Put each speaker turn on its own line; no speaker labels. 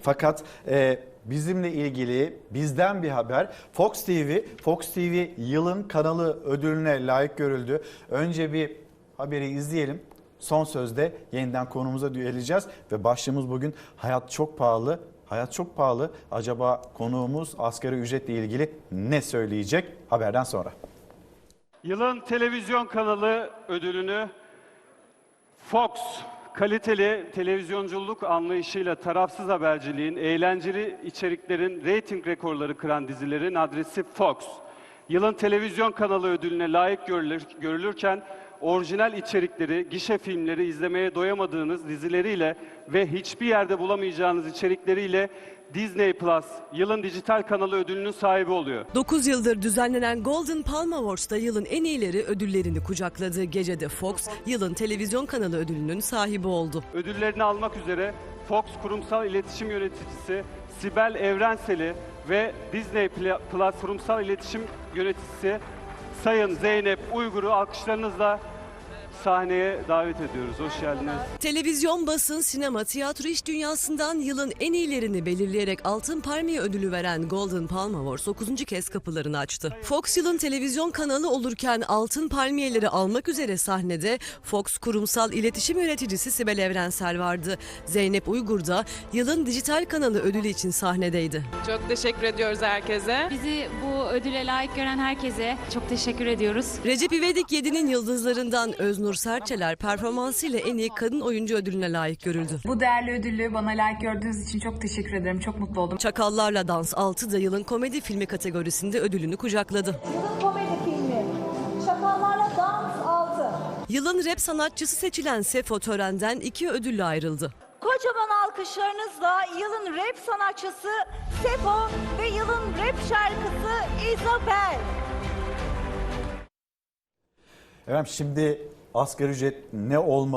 Fakat bizimle ilgili bizden bir haber. Fox TV yılın kanalı ödülüne layık görüldü. Önce bir haberi izleyelim. Son sözde yeniden konumuza geleceğiz ve başlığımız bugün hayat çok pahalı. Hayat çok pahalı. Acaba konuğumuz asgari ücretle ilgili ne söyleyecek? Haberden sonra.
Yılın televizyon kanalı ödülünü Fox, kaliteli televizyonculuk anlayışıyla tarafsız haberciliğin, eğlenceli içeriklerin reyting rekorları kıran dizilerin adresi Fox. Yılın televizyon kanalı ödülüne layık görülürken orijinal içerikleri, gişe filmleri izlemeye doyamadığınız dizileriyle ve hiçbir yerde bulamayacağınız içerikleriyle Disney Plus yılın dijital kanalı ödülünün sahibi oluyor.
9 yıldır düzenlenen Golden Palm Awards'ta yılın en iyileri ödüllerini kucakladığı gecede Fox, yılın televizyon kanalı ödülünün sahibi oldu.
Ödüllerini almak üzere Fox Kurumsal İletişim Yöneticisi Sibel Evrensel'i ve Disney Plus Kurumsal İletişim Yöneticisi Sayın Zeynep Uygur'u alkışlarınızla sahneye davet ediyoruz. Hoş geldiniz.
Televizyon, basın, sinema, tiyatro iş dünyasından yılın en iyilerini belirleyerek Altın Palmiye ödülü veren Golden Palm Awards 9. kez kapılarını açtı. Fox yılın televizyon kanalı olurken Altın Palmiyeleri almak üzere sahnede Fox Kurumsal İletişim Yöneticisi Sibel Evrensel vardı. Zeynep Uygur da yılın dijital kanalı ödülü için sahnedeydi.
Çok teşekkür ediyoruz herkese.
Bizi bu ödüle layık gören herkese çok teşekkür ediyoruz.
Recep İvedik 7'nin yıldızlarından Öznur Serçeler performansıyla en iyi kadın oyuncu ödülüne layık görüldü.
Bu değerli ödülü bana layık gördüğünüz için çok teşekkür ederim. Çok mutlu oldum.
Çakallarla Dans 6 da yılın komedi filmi kategorisinde ödülünü kucakladı.
Yılın komedi filmi Çakallarla Dans 6.
Yılın rap sanatçısı seçilen Sefo törenden 2 ödülle ayrıldı.
Kocaman alkışlarınızla yılın rap sanatçısı Sefo ve yılın rap şarkısı Isabel.
Efendim şimdi asgari ücret ne olmalı?